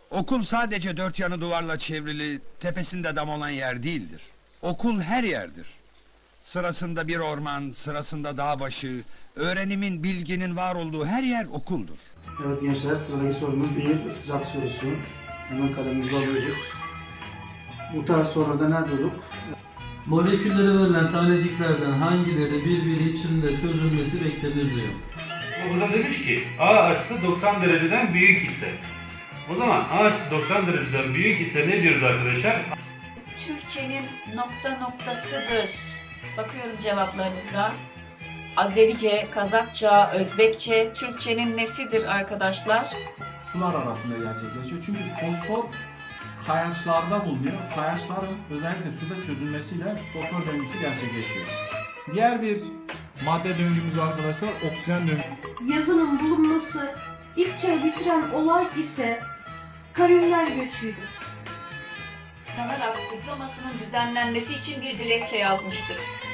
Okul sadece dört yanı duvarla çevrili, tepesinde dam olan yer değildir. Okul her yerdir. Sırasında bir orman, sırasında dağ başı, öğrenimin, bilginin var olduğu her yer okuldur. Evet gençler, sıradaki sorumuz bir ısrar sorusu. Hemen kalemimizi alıyoruz. Bu tarz sorularda ne yapıyorduk? Moleküllere verilen taneciklerden hangileri birbiri içinde çözülmesi beklenir diyor. Burada demiş ki A açısı 90 dereceden büyük ise. O zaman A açısı 90 dereceden büyük ise ne diyoruz arkadaşlar? Türkçenin nokta noktasıdır. Bakıyorum cevaplarınıza. Azerice, Kazakça, Özbekçe, Türkçenin nesidir arkadaşlar? Sular arasında gerçekleşiyor. Çünkü fosfor kayaçlarda bulunuyor. Kayaçların özellikle suda çözülmesiyle fosfor döngüsü gerçekleşiyor. Diğer bir madde döngümüz arkadaşlar oksijen döngüsü. Yazının bulunması ilk çağı bitiren olay ise kavimler göçüydü. Kanarak diplomasının düzenlenmesi için bir dilekçe yazmıştır.